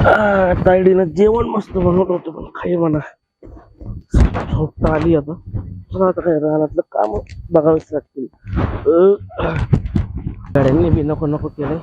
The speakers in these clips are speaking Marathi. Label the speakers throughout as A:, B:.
A: तायडीनं जेवण मस्त बनवलं होतं पण काही म्हणा झोपता आली आता. पण आता काय रानातलं काम बघावीच लागतील. गाड्यांनी बी नको नको केलंय.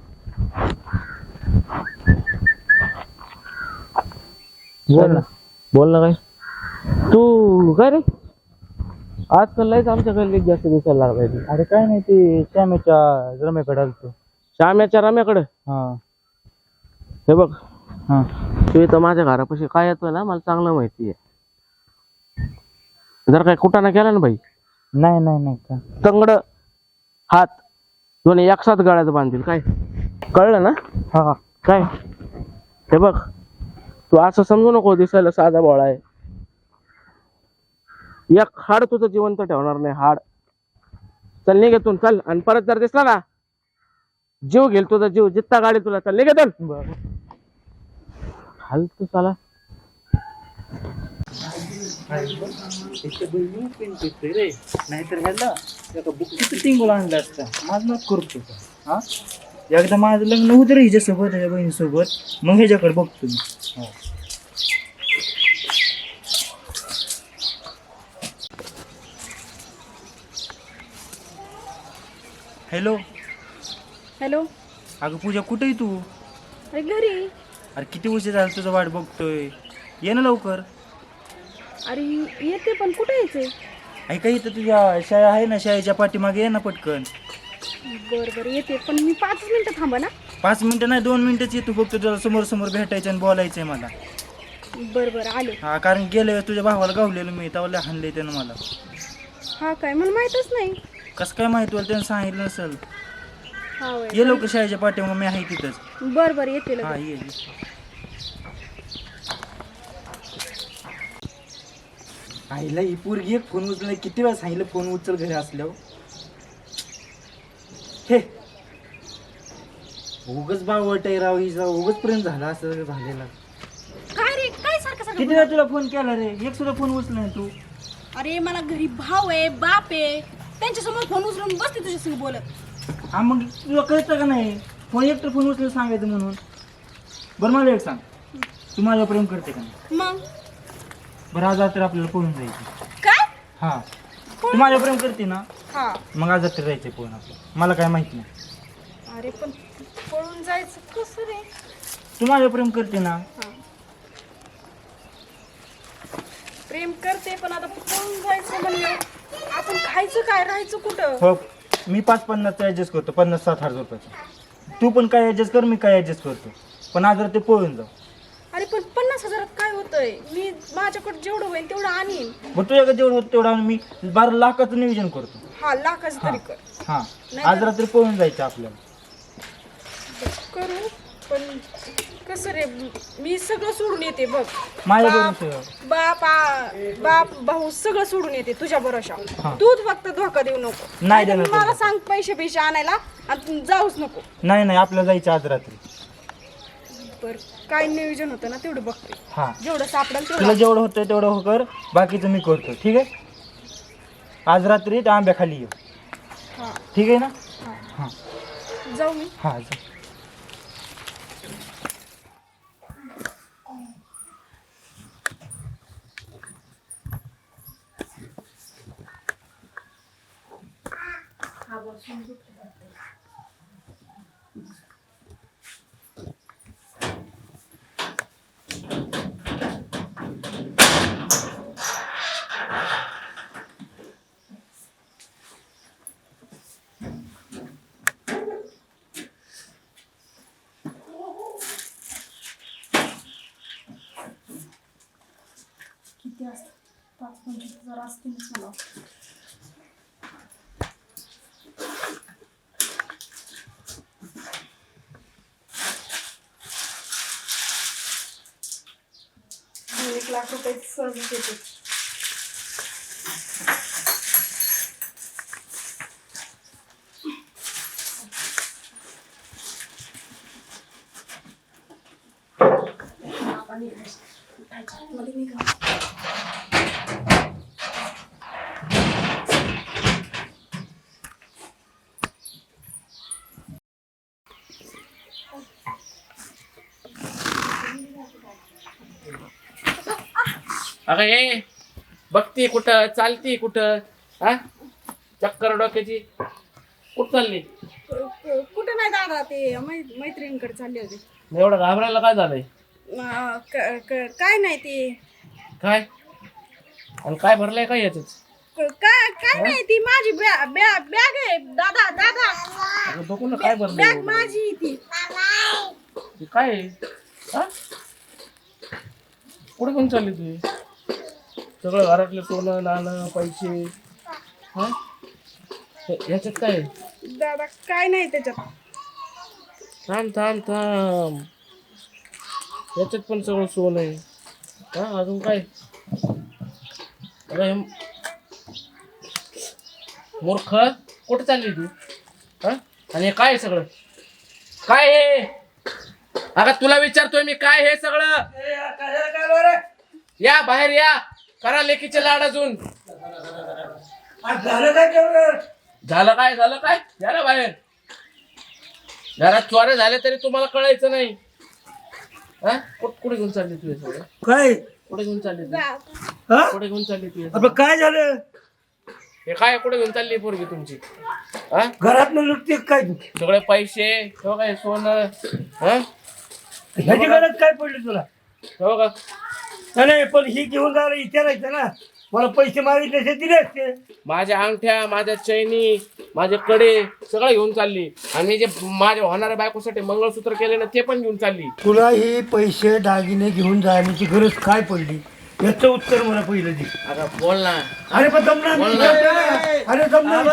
A: बोल ना काय तू काय रे आजकाल लयच आमच्या गल्लीत जास्त दिसायला लागलाय.
B: अरे काय नाही ते श्यामेच्या रम्याकडे आलतो.
A: श्याम्याच्या रम्याकडे
B: हा
A: हे बघ
B: हा
A: तू इथं माझ्या घरापाशी काय येतोय ना मला चांगलं माहिती आहे. जर काय कुटाणा केला ना भाई
B: नाही नाही नाही का
A: तंगड हात दोन्ही एकसाथ गळ्यात बांधतील काय कळलं ना.
B: हा
A: काय हे बघ तू असं समजू नको दिसायला साधा बोळा आहे. एक हाड तुझं जिवंत ठेवणार नाही हाड. चल निघेतून चल आणि परत जर दिसला ना जीव घेईल तुझा जीव जित्ता गाडी तुला चल निघेतून हाल तू चला.
B: नाहीतर ह्याला बुकीचं टिंगल आणलं असतं माझं नाच करतो का हा. एकदा माझं लग्न होतं रे हिच्यासोबत ह्याच्या बहिणीसोबत मग ह्याच्याकडे बघतो मी. Hello
C: hello.
B: अगं पूजा कुठे आहे तू.
C: अरे घरी.
B: अरे किती उशीर झाला तुझा वाट बघतोय ये ना लवकर.
C: अरे येते पण कुठे यायचंय.
B: ऐका इथं तुझ्या शाळा आहे ना शाळेच्या पाठीमागे ये ना पटकन.
C: बरं बरं येते पण मी 5 मिनिटं थांबा ना.
B: 5 मिनिटं नाही 2 मिनिटच येतो फक्त तुला समोर समोर भेटायचं आणि बोलायचंय मला.
C: बरं बरं आले.
B: हा कारण गेल्या वेळेस तुझ्या भावाला गावलेलं मी तेव्हा हाणले त्यानं मला.
C: हा काय मला माहीतच नाही.
B: कसं काय माहिती तुला त्यानं सांगितलं नसेल.
C: हा होय.
B: ये लवकर शाळेच्या पाठीमागे मी आहे तिथंच.
C: बरं बरं येते
B: हा
C: लगेच.
B: ये आईला ही पोरगी एक फोन उचल किती वेळा सांगितलं फोन उचल घरी असल्यावर. हे उगच बावट आहे राव हिचा उगच प्रेम झाला असं झालेला.
C: काय रे काय सारखं
B: किती
C: सारखं.
B: वेळा तुला फोन केला रे एक सुद्धा फोन उचल नाही तू.
C: अरे मला घरी भाऊ आहे बाप आहे त्यांच्यासमोर फोन उचलून बसते तुझ्यासंग बोलत.
B: हा मग तुला कळतं का नाही फोन एकतर फोन उचलून सांगायचं म्हणून. बरं मला एक सांग तू माझ्यावर प्रेम करते का नाही.
C: मग
B: बरं आज रात्री आपल्याला पळून जायचं.
C: काय.
B: हा तू माझ्यावर प्रेम करते ना
C: हा
B: मग आज रात्री जायचंय पळून आपलं मला काय माहिती नाही.
C: अरे पण पळून जायचं कसं रे.
B: तू माझ्यावर प्रेम करते ना.
C: हा प्रेम करते पण आता पळून जायचं म्हणलं आपण खायचं काय राहायचं कुठं.
B: हो मी 5-50 ॲडजस्ट करतो 50-60 हजार रुपयाचं. तू पण काय ॲडजस्ट कर मी काय ॲडजस्ट करतो पण आज रात्री पळून जाऊ.
C: अरे पण 50,000 काय होतंय. मी माझ्याकडे जेवढं होईल तेवढं आणीन.
B: मग तुझ्याकडे जेवढं होतं तेवढं मी 12 लाखाचं नियोजन करतो.
C: हा लाखाचं तरी कर.
B: हां
C: नाही
B: आज
C: तर-
B: रात्री पळून जायचं आपल्याला.
C: करू पण कसं रे मी सगळं सोडून येते बघ.
B: माझ्या
C: बाप
B: बरोबर
C: बाप भाऊ सगळं सोडून येते तुझ्या भरोशा.
B: हा.
C: तूच फक्त धोका देऊ नको.
B: नाही
C: नाहीतर
B: देणार
C: मला
B: तुला.
C: सांग पैसे आणायला आणि तू जाऊच नको.
B: नाही नाही आपल्याला जायचं आज रात्री.
C: बर काय नियोजन होतं ना तेवढं बघते.
B: हां
C: जेवढं सापडेल
B: तुला
C: तेवढं.
B: जेवढं होतं तेवढं हो कर बाकीचं मी करतो ठीक आहे. आज रात्री त्या आंब्याखाली ये
C: हा
B: ठीक आहे ना.
C: हा
B: हां
C: जाऊ मी.
B: हां जा.
C: किती असतं 5-25,000 असतीलच मला. ₹1,00,000 सहज देते.
A: अगं ये बघती कुठं चालती कुठं हा चक्कर डोक्याची कुठं चालली
C: कुठं नाही दादा ते मैत्रिणीकडे चालले होते.
A: एवढं घाबरायला काय झालंय
C: काय नाही ते
A: काय आणि काय भरलंय काय याच
C: काय नाही ती माझी बॅग आहे दादा दादा
A: बघू ना काय भरलंय
C: बॅग
A: एवढं?
C: माझी ती
A: हे काय आहे? हा? कुठे घेऊन चालली तू सगळं घरातलं सोनं नाणं पैसे हा याच्यात काय आहे?
C: दादा काय नाही त्याच्यात.
A: थांब थांब थांब याच्यात पण सगळं सोनं आहे हा अजून काय अगं हे मूर्ख कुठे चालली तू हा आणि हे काय आहे सगळं काय आहे अगं तुला विचारतोय मी काय हे सगळं या बाहेर या करा लेकीचे लाड अजून झालं काय या ना बाहेर घरात चोऱ्या झाल्या तरी तुम्हाला कळायचं नाही हा कुठे घेऊन चालली तू हे सगळं
B: काय
A: कुठे घेऊन चालली तू
B: हा
A: कुठे घेऊन चालली तू हे
B: आपलं
A: सगळं?
B: काय झालं
A: हे काय कुठे घेऊन चालली पोरगी तुमची हा
B: घरात लुटते काय
A: सगळे पैसे हे बघा हे सोनं हा
B: ह्याची गरज काय पडली तुला
A: हे बघा
B: नाही पण ही घेऊन जायला विचारायचं ना मला पैसे मागितले असे दिले असते
A: माझ्या अंगठ्या माझ्या चैनी माझे कडे सगळं घेऊन चालली आणि जे माझ्या होणाऱ्या बायकोसाठी मंगळसूत्र केले ना ते पण घेऊन चालली
B: तुला हे पैसे दागिने घेऊन जाण्याची गरज काय पडली याचं उत्तर मला पहिलं दे
A: आता बोल ना
B: अरे पण जमना अरे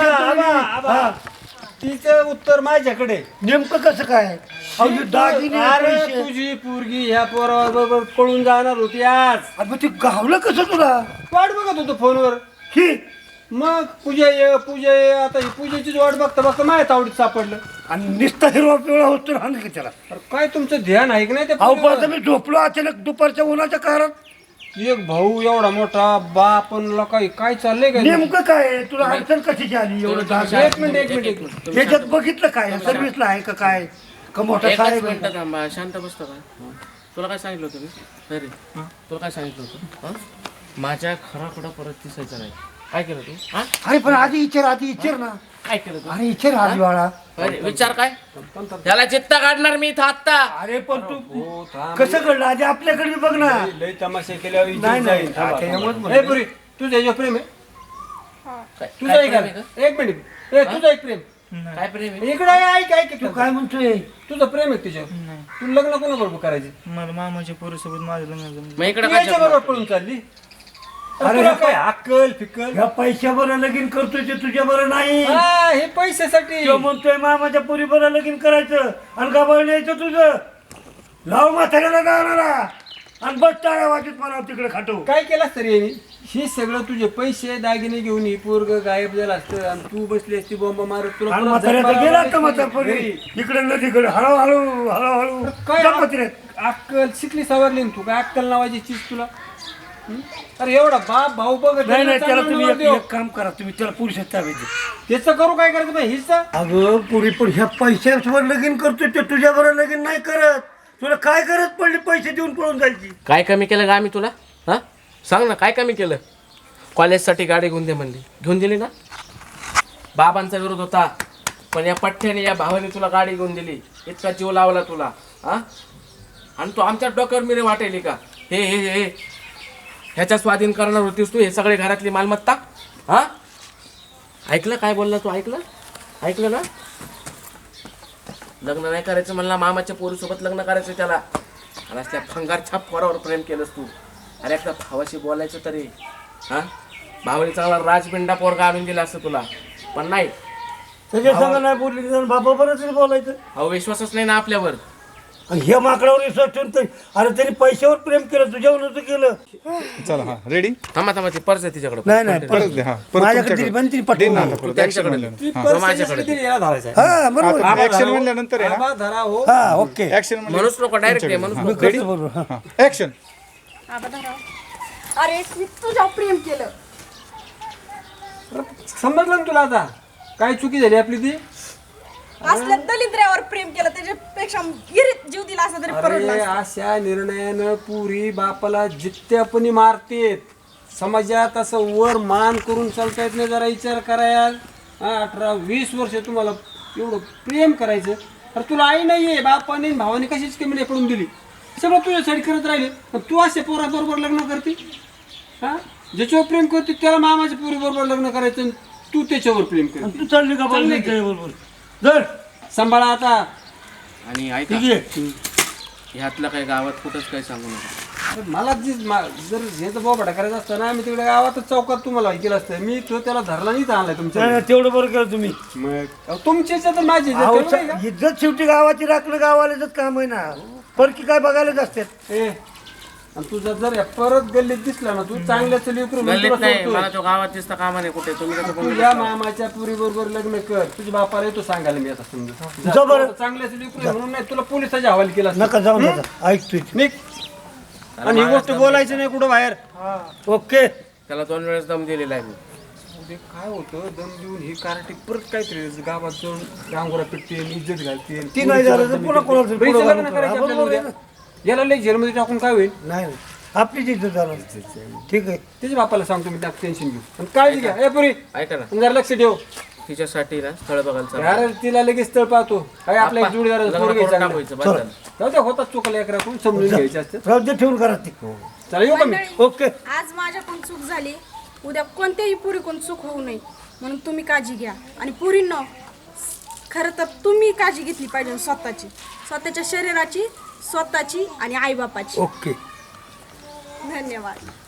B: जमना
D: तिचं उत्तर माझ्याकडे.
B: नेमकं कसं काय अहो, हे दागिने
D: अरे
B: पैसे.
D: तुझी पोरगी ह्या पोराबरोबर पळून जाणार होती आज.
B: अरे पण ते गावलं कसं तुला
D: वाट बघत होतो फोनवर.
B: ही
D: मग पूजा ये आता ही पूजेचीच वाट बघता बघता माझ्या तावडीत सापडलं.
B: आणि निस्ता हिरवा पिवळा होतो हाण की त्याला
D: अरे काय तुमचं ध्यान आहे की नाही त्या
B: अहो
D: पोरीवर?
B: पण मी झोपलो अचानक दुपारच्या उन्हाच्या कारण
D: एक भाऊ एवढा मोठा बाप आणि लोकांनी काय चाललंय काय
B: नेमकं काय आहे? तुला अडचण कशाची आली एवढं दागिने?
D: एक मिनिट
B: त्याच्यात बघितलं काय सर्व्हिसला आहे का काय का मोठा
A: एकच
B: साहेब आहे
A: मिनिटं
B: का?
A: थांबा शांत बसतो का तुला काय सांगितलं होतं मी अरे तुला काय सांगितलं होतं हा? माझ्या खराकडं परत दिसायचं नाही काय केलं तू हा
B: अरे पण आधी विचार ना
A: काय केलं तू
B: अरे विचार आधी बाळा
A: अरे विचार काय त्याला चित्ता काढणार मी इथं आत्ता
B: अरे पण तू कसं घडलं आधी आपल्याकडे बी बघ ना
D: लय तमाशा केल्यावर इज्जत
B: नाही, नाही.
D: जाईल. थांबा,
B: त्याच्यामुळेच
D: थांबा.
B: म्हणलं.
D: ए पुरी तुझं याच्यावर प्रेम आहे
A: काय
D: तुझं
A: काय
D: एक
A: प्रेम आहे का?
D: एक मिनिट ए तुझं एक प्रेम
A: काय प्रेम आहे
D: इकडे ऐक ऐक
B: तू काय म्हणतोय
D: तुझं प्रेम आहे तुझ्यावर तू लग्न कोणाबरोबर करायचे
B: मला मामाच्या पोरीसोबत माझं लग्न
A: मग इकडे
D: तू
A: काय
D: याच्या बरोबर पळून चालली
B: अरे
D: अरे तुला
B: हे
D: काय अक्कल फिक्कल
B: ह्या पैशावर लगीन करतोय ते तुझ्या बरं नाही
D: हा हे पैशासाठी
B: तो म्हणतोय मामाच्या पोरी बरं लगीन करायचं आणि गाबाळ न्यायचं तुझं लाव म्हाताऱ्याला जाणारा आणि बस टाळ्या वाजत मला तिकडे खाटो
D: काय केलास तरी यांनी हे सगळं तुझे पैसे दागिने घेऊन ही पोरग गायब झाला असतं आणि तू बसली असती बॉम्ब मारत तुला
B: आणि
D: परत
B: म्हाताऱ्याचा
D: जन्माला
B: गेला का
D: लावायची
B: म्हातारपणी
D: घरी.
B: इकडे नदीकडे हळूहळू हळूहळू
D: काय
B: जपत रे.
D: अक्कल शिकली सवरली ना तू काय अक्कल नावाची चीज तुला हं? अरे एवढा बाप भाऊ बघ
B: नाही नाही त्याला तुम्ही
D: चांगला देव.
B: एक काम करा तुम्ही त्याला पुरुषात ताब्यात द्या.
D: त्याचं करू काय करायचं बाई हिस्सा
B: अगं पुरी पण ह्या पैशावर लगीन करतोय ते तुझ्या बरोबर लगीन नाही करत तुला काय करत पडली पैसे देऊन पळून जायची
A: काय कमी केलं का आम्ही तुला हा सांग ना काय कमी केलं कॉलेजसाठी गाडी घेऊन दे म्हणली घेऊन दिली ना बाबांचा विरोध होता पण या पठ्ठ्याने या भावाने तुला गाडी घेऊन दिली इतका जीव लावला तुला हा आणि तू आमच्या डोक्यावर मिरे वाटेली का हे हे हे ह्याच्या स्वाधीन करणार होतीस तू हे सगळे घरातली मालमत्ता हा ऐकलं काय बोलला तू ऐकलं ना लग्न नाही करायचं म्हणला मामाच्या पोरीसोबत लग्न करायचं त्याला आणि असल्या फंगार छाप पोरावर प्रेम केलंस तू अरे एकदा भावाशी बोलायचं तरी हा भावाने चांगला राजबिंडा पोरगा आणून दिला असतं तुला पण नाही
B: त्याच्या संग नाही बोलली बाबा बरंच बोलायचं
A: अहो विश्वासच नाही ना आपल्यावर
B: आणि ह्या माकडावर विश्वास ठेवून तर अरे त्यांनी पैशावर प्रेम केलं तुझ्यावर नव्हतं केलं
E: चला हा रेडी
A: थांबा ती पर्स आहे तिच्याकडे
B: नाही नाही
E: परत दे हा परत
B: माझ्याकडे दिली पण तिने पटवून आणलं.
A: तू त्यांच्याकडे
D: ती
A: हा.
D: परिस्थिती
A: माझ्याकडे.
D: सगळी याला धरायचं आहे.
B: हा बरोबर
E: आता ऍक्शन म्हणल्यानंतर आहे
D: आबा धरा हो
B: हा ओके
E: ऍक्शन
A: म्हणूच नको डायरेक्ट म्हणूच
B: मी
A: नको
B: करतो बरोबर हा.
E: ऍक्शन
C: अरे मी तुझ्यावर प्रेम केलं.
D: समजलं ना तुला आता काय चुकी झाली आपली ती
C: असल्या दलिद्र्यावर प्रेम केलं त्याच्यापेक्षा गिरीत जीव दिला असता तरी परवडला
D: अरे
C: असता.
D: अशा निर्णयानं पुरी बापाला जित्यापणी मारतेत. समाजात असं वर मान करून चालता येत नाही. जरा विचार करायला 18-20 वर्ष तुम्हाला एवढं प्रेम करायचं. अरे तुला आई नाहीये, बापाने भावाने कशीच कमी नाही पडून दिली. सगळं तुझ्यासाठी करत राहिले. पण तू असे पोराबरोबर लग्न करते. हा, ज्याच्यावर प्रेम करते त्याला मामाच्या पोरीबरोबर लग्न करायचं आणि तू त्याच्यावर प्रेम करते.
F: तू चालली का
D: चालली
F: बरोबर
D: की?
F: बरोबर जर
D: सांभाळा आता.
A: आणि ऐका,
F: ठीक आहे
A: ह्यातलं काही गावात कुठंच काही सांगू नका.
D: अरे मला जर ह्याचा बोबाटा करायचा असता ना, मी तिकडे गावातच चौकात तुम्हाला केलं असतं. मी तो त्याला धरला नाही तर आणलाय तुमच्या.
F: नाही, तेवढं बरं केलं तुम्ही
D: मग तुमची इज्जत आणि माझी इज्जत
F: अहो,
D: कळलं नाही का?
F: इज्जत शेवटी गावाची राखणं गावालाच काम आहे ना. परकी काय बघायलाच असतात.
D: ए, आणि तुझा जर या परत गल्लीत दिसला ना, तू चांगल्याच लेकरू म्हणून
A: गल्लीत
D: तुला
A: नाही,
D: सोडतोय.
A: मला तो गावात दिसता कामा नाही कुठे. तुम्ही कसं बोलू
D: तुझ्या मामाच्या पुरी बरोबर लग्न कर. तुझ्या बापाला येतो सांगायला मी आता समजा.
F: जा बरं.
D: चांगल्याच लेकरू आहे म्हणून नाही तुला पोलिसाच्या हवाली केला असता.
F: नका जाऊ नका ऐकतोय
D: निघ. आणि ही गोष्ट बोलायची नाही कुठं बाहेर.
F: ओके
A: त्याला 2 वेळेस दम दिलेला आहे मी.
D: उद्या काय होतं, दम देऊन ही कार्टी परत काहीतरी गावात जाऊन डांगोरा पिटते, इज्जत घालते.
F: ती नाही झालं तर पुन्हा कोणाचं पुढं
D: पैसे लग्न
F: घालून
D: करायचे
F: करा.
D: आपल्याला
F: बरोबर आहे
D: उद्या. याला लई जेलमध्ये टाकून काय होईल.
F: नाही नाही. आपलीच इज्जत झालं ठीक आहे.
D: त्याच्या बापाला सांगतो मी, त्यात टेन्शन घेऊ. पण काळजी घ्या ए पुरी,
A: ऐका ना,
D: आणि जरा लक्ष ठेव.
A: तिच्यासाठी ना स्थळ बघायला चालू.
D: यार तिला लगेच स्थळ पाहतो. काय आपला एक जोडीदार
A: लग्न
D: पोरगी
A: करून
D: चांगलं.
A: टाकायचं, बस झालं.
D: जाऊ दे, होतात चुकल्या एकराकडून समजून घ्यायचे असते.
F: राहू ठेवून करा ती
D: चला येऊ का मी.
C: मंडळी,
F: ओके.
C: आज माझ्याकडून चूक झाली. उद्या कोणत्याही पुरीकडून चूक होऊ नये म्हणून तुम्ही काळजी घ्या. आणि पुरींनो, खरं तर तुम्ही काळजी घेतली पाहिजे स्वतःची, स्वतःच्या शरीराची, स्वतःची आणि आईबापाची.
F: ओके.
C: धन्यवाद.